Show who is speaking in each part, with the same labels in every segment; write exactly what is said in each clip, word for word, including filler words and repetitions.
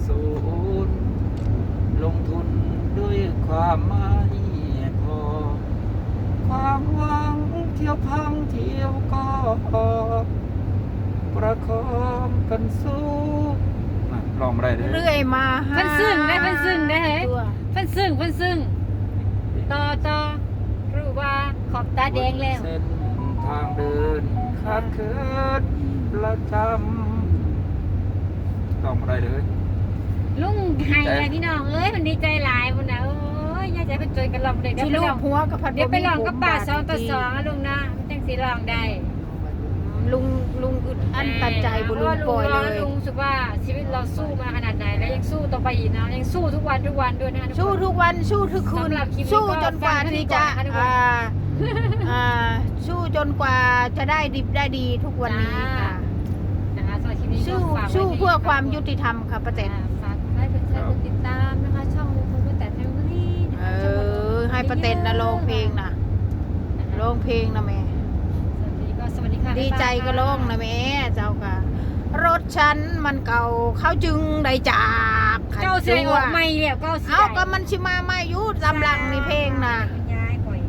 Speaker 1: สูญลงทุนด้วยความไม่พอความหวังเที่ยวพังเที่ยวก็ประคองกันสู้น่ะลองอะไรเด้อ
Speaker 2: เรื่อยมาหา
Speaker 3: เพิ่นซึ้งได้เพิ่นซึ้งได้
Speaker 2: ตัว
Speaker 3: เพิ่นซึ้งเพิ่นซึ้งต่อต่อรู้ว่าขอบตาแดงแล้ว
Speaker 1: เส้นทางเดินขาดเคินประจำลองอะไรเด้อ
Speaker 3: ลุงไห้เลยพี่น้องเอ้ยมันดีใจหลายพุ่นน่ะโอ้ยอยากจะไปจอยกันลองเด็กเดี๋ยว
Speaker 2: ที่
Speaker 3: ไป
Speaker 2: ลู
Speaker 3: ล
Speaker 2: ก
Speaker 3: อง
Speaker 2: หัวกับพัด
Speaker 3: เดี๋ยวไปลอง
Speaker 2: ผม
Speaker 3: กับป่า
Speaker 2: บท
Speaker 3: สองต่อ
Speaker 2: จริ
Speaker 3: สองอะลุงนะมันจังสิลองได้
Speaker 2: ลุงลุงอึดอั้นตันใจบุลุงปล่อยเลย
Speaker 3: ลุงรู้สึกว่าชีวิตเราสู้มาขนาดไหนแล้วยังสู้ต่อไปอีกนะยังสู้ทุกวันทุกวันด้วยนะทุกคน
Speaker 2: สู้ทุกวันสู้ทุกคืน
Speaker 3: สำหรับคลิปนี้
Speaker 2: สู้
Speaker 3: ก็
Speaker 2: จนกว่า
Speaker 3: ฟังให้ดี
Speaker 2: ที่
Speaker 3: ก่
Speaker 2: จะ
Speaker 3: อนนะคะทุกคน
Speaker 2: อ่าอ่าสู้จนกว่าจะได้ดิบได้ดีทุกวันนี้ค่ะ
Speaker 3: นะคะสำหรับคลิปนี้ก็
Speaker 2: สู้
Speaker 3: ฝากไว้
Speaker 2: สู้
Speaker 3: ที่
Speaker 2: เพื่อความยุติธรรมค่ะป้าแตน
Speaker 3: อ่าฝากไลค์กดแชร์กดติดตามนะคะช่องลุงพลป้าแตนแฟมิลี่นะ
Speaker 2: เอ
Speaker 3: คะช่องลุงพล
Speaker 2: อให้ป้าแตนนะร้องเพลงนะร้องเพลงนะแม่
Speaker 3: สวัสดีก็สวัสดีค่ะ
Speaker 2: ดีใจก็ร้องนะแม่เจ้าค่ะ รถฉันมันเก่าเขาจึงได้จากขัน
Speaker 3: เก้าเสียงออก
Speaker 2: ตัว
Speaker 3: ไม่แล้วเก้าเสียง
Speaker 2: เอาก็มันชิมาไม่ยุดลำลังนี่เพลงนะ
Speaker 3: คุณยายก่อย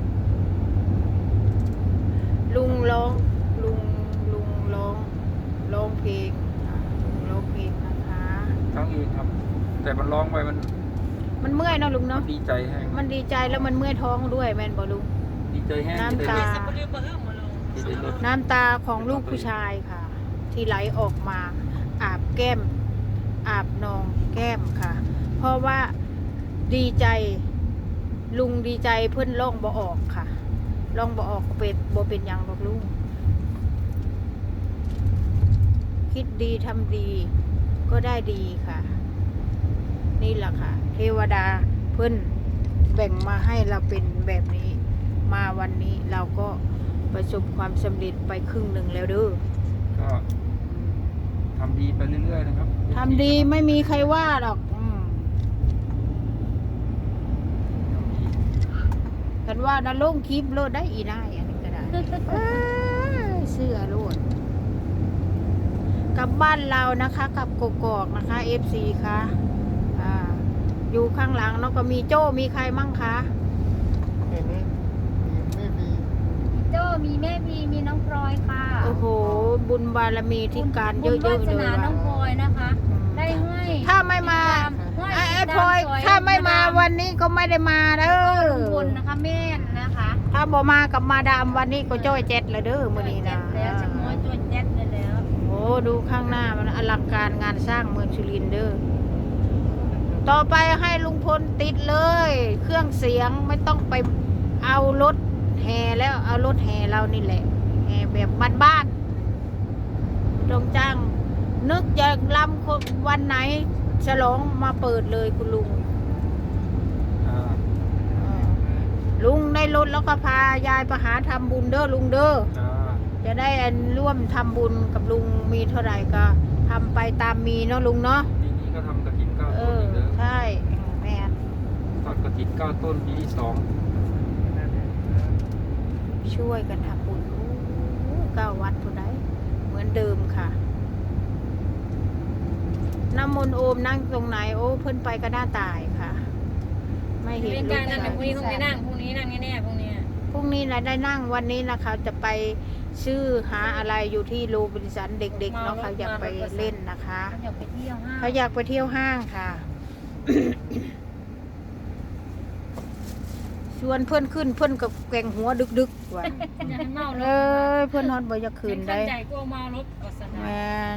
Speaker 2: ลุงร้องลุงลุงร้องร้องเพลงอ่ะลุงร้องเพลงนะคะ
Speaker 1: ทั้งอื่นครับ แต่มันร้องไปมัน
Speaker 2: มันเมื่อยเนาะลุงเนาะ
Speaker 1: ดีใจแห้ง
Speaker 2: มันดีใจแล้วมันเมื่อยท้องด้วยแม่นบ่ลุง
Speaker 1: ดีใจแห้ง
Speaker 2: น้ำตา
Speaker 1: ที่ได้รถ
Speaker 2: น้ำตาของลูกผู้ชายค่ะ ที่ไหลออกมา อาบแก้ม อาบนองแก้มค่ะ เพราะว่าดีใจ ลุงดีใจเพิ่นล่องบ่ออกค่ะล่องบ่ออกก็เป็นบ่เป็นหยังหรอกลุงคิดดีทำดี ก็ได้ดีค่ะ นี่แหละค่ะ เทวดาเพิ่นแบ่งมาให้เราเป็นแบบนี้ มาวันนี้เราก็ประสบความสำเร็จไปครึ่งหนึ่งแล้วเด้อ
Speaker 1: ก็ทำดีไปเรื่อยๆนะครับ
Speaker 2: ทำดีไม่มีใครว่าหรอกอืม
Speaker 1: ทำดี
Speaker 2: กันว่านะลงคลิปโลดได้อีนายอันนี้ก็ได้ เอ้ยเสื้อโลดกลับบ้านเรานะคะกับกกอกนะคะ เอฟ ซี ค่ะอ่าอยู่ข้างหลังเนาะก็มีโจ้มีใครมั่งคะ
Speaker 4: เห็นไหมมีไม่มี
Speaker 3: โจ้มีแม่มีมีน้องพลอยค่ะ
Speaker 2: โอ้โห บุญบารมีที่การเยอะๆ
Speaker 3: บุญ
Speaker 2: เล
Speaker 3: วาย สนาน้
Speaker 2: ว่ะ
Speaker 3: องพลอยนะคะ ได้ให้
Speaker 2: ถ้าไม่มา
Speaker 3: ให้
Speaker 2: ไอ้ไอ้
Speaker 3: ติด
Speaker 2: พลอย
Speaker 3: ตมซ
Speaker 2: ถ้าไม่มาวันนี้ก็ไม่ได้มาเด้
Speaker 3: ก็
Speaker 2: อ
Speaker 3: ลุงพลนะคะแม่นนะคะ
Speaker 2: ถ้าบ่มากับมาดามวันนี้ก็จ้อยเจ็ดเลยเด้อมื้อนี้นะ
Speaker 3: เจ็ดแล้วจะม้อยตัวเจ็ดเลยแล้ว
Speaker 2: โอ้ดูข้างหน้ามันอลังการงานสร้างเมืองสุรินทร์เด้อต่อไปให้ลุงพลติดเลย เครื่องเสียงไม่ต้องไปเอารถแห่แล้วเอารถแห่เรานี่แหละแห่แบบบ้านๆตรงจ้าง นึกจะลำคนวันไหนฉลองมาเปิดเลยคุณลุง
Speaker 1: อ่า
Speaker 2: ลุงได้รถแล้วก็พายายไปหาทำบุญเด้อลุงเด้อ
Speaker 1: อ่า
Speaker 2: จะได้ร่วมทำบุญกับลุงมีเท่าไหร่ก็ทำไปตามมีเนาะลุงเนาะ
Speaker 1: ปีนี้ก็ทำกระถินเก้า
Speaker 2: เอ
Speaker 1: ต้น
Speaker 2: อ
Speaker 1: อีกเด้อ
Speaker 2: ใช่แม่น
Speaker 1: ทอดกระถินเก้าต้นปีที่สอง
Speaker 2: ช่วยกันทำบุญโอ้เก้าวัดทุนได้เหมือนเดิมค่ะน้ำมนต์โอมนั่งตรงไหนโอ้เพิ่นไปก็หน้าตายค่ะ ไม่เห็น
Speaker 3: เป็น
Speaker 2: ลู
Speaker 3: การ
Speaker 2: ก
Speaker 3: นั่ง
Speaker 2: ชาย
Speaker 3: พรุ่งนี้พรุ่งนี้นั่งพรุ่งนี้นั่งแน่ๆพรุ่งนี้
Speaker 2: พรุ่งนี้นะได้นั่งวันนี้นะคะจะไปชื่อหาอะไรอยู่ที่โรบินสันเด็กๆเนาะเขาอยากไปเล่นนะคะ
Speaker 3: อยากไปเที่ยวห้าง
Speaker 2: เขาอยากไปเที่ยวห้างค่ะ ชวนเพื่อนขึ้นเพื่อนกับแกงหัวดึกๆว่ะ
Speaker 3: อยากให้เมารถ
Speaker 2: เอ้ยเพื่อนฮอนบ่อยากคืนได้
Speaker 3: ใหญ่กลัวเมารถก็ส
Speaker 2: แม
Speaker 3: นาน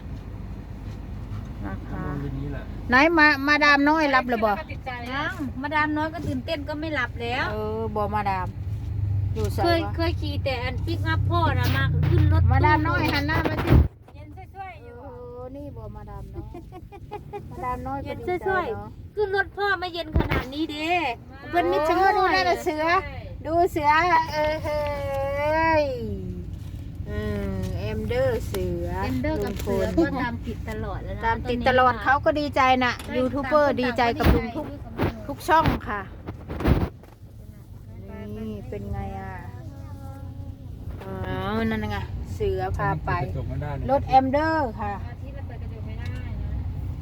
Speaker 2: นะคะ
Speaker 1: ทำบุญทีนี้แหละ
Speaker 2: ไหนมามาดามน้อยรับหรือบ่
Speaker 3: ติดใจ
Speaker 5: ยังมาดามน้อยก็ตื่นเต้นก็ไม่หลับแล้ว
Speaker 2: เออบ่มาดาม อยู่ใส่
Speaker 5: เคยว
Speaker 2: ะ
Speaker 5: เคยขี่แต่อันปิกอัพพ่อนะมาขึ้นรถ
Speaker 2: มาดาม
Speaker 5: ตู้
Speaker 2: น้อยหันหน้ามาสิ
Speaker 3: เย็นช่วยๆอ
Speaker 2: เอยู่ อนี่บ่มาดามน้อยมาดามน้อยก็
Speaker 5: เย็น
Speaker 2: ดีใจ
Speaker 5: ช่วย
Speaker 2: เนาะ
Speaker 5: ๆขึ้นรถพ่อไม่เย็นขนาดนี้เด้เพิ่นมิด
Speaker 2: โอ้
Speaker 5: ชะ
Speaker 2: ดู
Speaker 5: ม้อย
Speaker 2: นั่นน่ะเสือ ดูเสือเออเฮ้ยอืมเอ็มเดอร์เสือ
Speaker 5: เอ็มเดอร์กับเสือ
Speaker 2: ลุ
Speaker 5: ก็
Speaker 2: งพล
Speaker 5: ตามติดตลอดแล้วนะ
Speaker 2: ตามติดตลอดเขาก็ดีใจนะยูทูบเบอร์ดีใจกับลุงทุกทุกช่องค่ะ นี่เป็นไงอ่ะอ๋อนั่นไงเสือพาไป
Speaker 1: จบมาได้นะ
Speaker 2: รถแอมเดอร์ค่ะ
Speaker 3: อาทิตย์ละเปิดกระจกไม่ได้นะ
Speaker 5: อ๋อ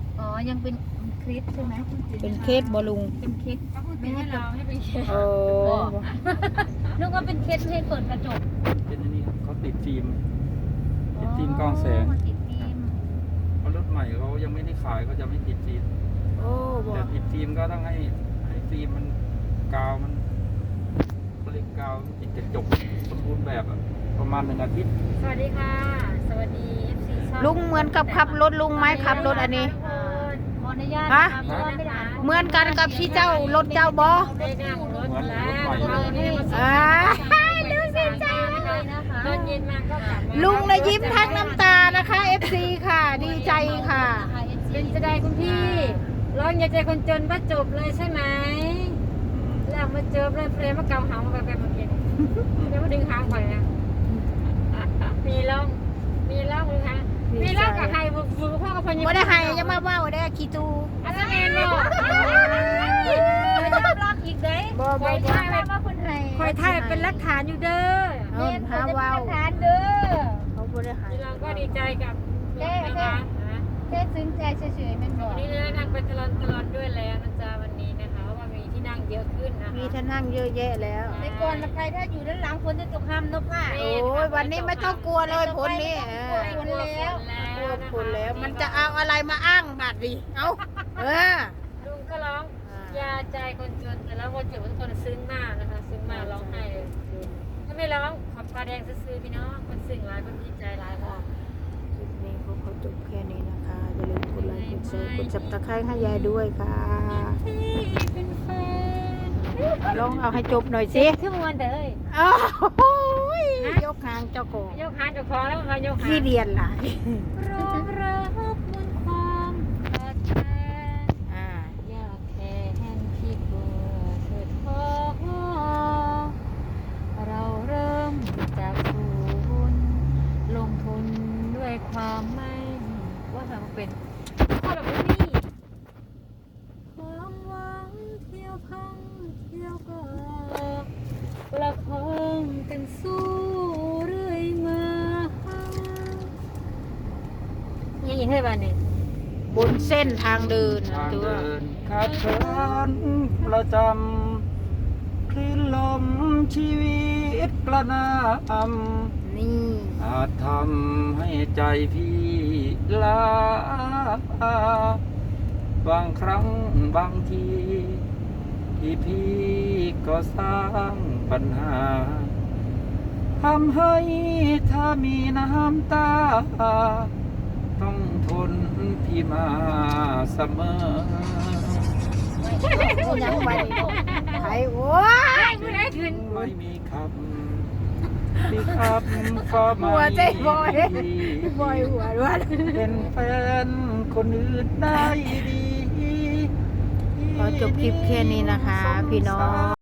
Speaker 5: ยังเป็นคริสใช่ไหม
Speaker 2: เป็นเคสบอลุง
Speaker 5: เป็นคริส
Speaker 3: ไม่ให้เราให้ไปเขียน
Speaker 2: โอ้
Speaker 5: นึกว่าเป็นคริสไม่ให้เปิดกระจก
Speaker 1: เป็นอันนี้เขาติดฟิล์มติดฟิล์มกล้องแสง
Speaker 5: ติดฟิล์ม
Speaker 1: เพราะรถใหม่เขายังไม่ได้ขายเขาจะไม่ติดฟิล์ม
Speaker 2: โอ้บอ
Speaker 1: แต่ติดฟิล์มก็ต้องให้ให้ฟิล์มมันกาวมันเขาเรียกกาวติดกระจกสมบูรณ์แบบอะประมาณหนึ่งอาทิตย์
Speaker 3: สวัสดีค่ะ สวัสดี เอฟ ซี ช่อง
Speaker 2: ลุงเหมือนกับขับรถลุงไหมขับรถอันนี้
Speaker 5: ขออนุญาต
Speaker 2: ฮะ
Speaker 5: นะคะเพราะว่าไม่ได้อ่าน
Speaker 2: เหมือนกันกับที่เจ้ารถเจ้าบอ
Speaker 3: ได้นั่งรถแล้ว
Speaker 2: อ่า
Speaker 3: ดูสิจ้าตอนเย็นมาก็กลับมา
Speaker 2: ลุงนะยิ้มทั้งน้ำตานะคะ เอฟ ซี ค่ะ ดีใจค่ะ
Speaker 3: เป็นจะได้คุณพี่ร้องอย่าใจคนจนว่าจบเลยใช่ไหมแล้วมาเจอเลยเฟรมมาเกาหางมาแบบเมื่อกี้แล้วมาดึงหางไปนะมีร้องมีร้องเลยค่ะมีร้องกับใครบุกบุกพ่อกับพญา
Speaker 2: บ่ได้ให้จะมาว่าได้ขี้ตู
Speaker 3: อันนั้นเองเนาะ
Speaker 5: ยอมรับอีกเด้
Speaker 2: บ่
Speaker 3: ค
Speaker 2: บ่
Speaker 3: อย
Speaker 2: บ่
Speaker 3: ถ่าย
Speaker 5: ว่าคนไทย
Speaker 3: คอยถ่ายเป็นหลักฐานอยู่เด้อ
Speaker 2: เอิ้นหาเว้า
Speaker 5: ทานเด้อ
Speaker 2: เขาบ่ได้ให้
Speaker 3: เราก็ดีใจกับนะคะ
Speaker 5: แค่ซึ้งใจเฉยๆมันบอก
Speaker 3: วันนี้เลยนั่งไปตลอดตลอดด้วยแล้วนะจ๊ะวันนี้นะคะเพราะว่ามีที่นั่งเยอะขึ้นนะคะ
Speaker 2: มีท่านั่งเยอะแยะแล้ว
Speaker 5: ในก่อนใครถ้าอยู่ด้านหลังคนจะตกห้ามนกผ้า
Speaker 2: โอ้ยวันนี้ไม่ต้องกลัวเลยผลนี้เออ
Speaker 5: คนแล้ว
Speaker 2: กลัวผลแล้ว มันจะเอาอะไรมาอ้างบัดดิเอ้าเออ
Speaker 3: ลุงก็ร้องยาใจคนจนแต่แล้วคนจนทุกคนซึ้งมากนะคะซึ้งมากร้องไห้เลยถ้าไม่ร้องขอบตาแดงซื้อๆพี่น้องคนซึ้งหลายคนดีใจหลายพอ
Speaker 2: คลิปนี้เขาขอจบแค่นี้นะคะอย่าลืมกดไลค์กดแชร์กดจับตะไคร้ให้ยายด้วยค่ะ
Speaker 3: ที่เป็นแฟน
Speaker 2: ลองเอาให้จบหน่อยสิ
Speaker 3: ขึ้นวันเด้อ
Speaker 2: อ้าวโอ้ยยกหางเจ้าของ
Speaker 3: ยกหางเจ้าของแล้วมายกหาง
Speaker 2: ขี้เดียนหลาย
Speaker 3: รองรับมวลความขาดแคลน
Speaker 2: อ่า
Speaker 3: อยากแค่เห็นที่เบื่อเถิดพอเราเริ่มจากศูนย์ลงทุนด้วยความไม่ว่าทำเป็นข้อแบบนี้ความหวังเที่ยวพังเที่ยวก็ประคองกันสู้เรื่อยมายังอีกเท่าไหร่เนี่ย
Speaker 2: บนเส้นทางเดินนะ
Speaker 1: ทาง
Speaker 2: ตัว
Speaker 1: เดินขาดเคินประจำคลื่นลมชีวิตกระหนำ
Speaker 2: นี่
Speaker 1: อาจทำให้ใจพี่ลาบางครั้งบางที ที่พี่ก็สร้างปัญหาทำให้ถ้ามีน้ำตา ต้องทนพี่มาเสมอ
Speaker 2: ยังไปไอ้โอ้ย
Speaker 3: ไม่ได้คืน
Speaker 1: ไม่มีคำที่คำก็ไม่
Speaker 2: หัวใจบอย
Speaker 1: ดี
Speaker 2: บอยหัวด้วย
Speaker 1: เป็นแฟนคนอื่นได้ดี
Speaker 2: ขอจบคลิปแค่นี้นะคะ พี่น้อง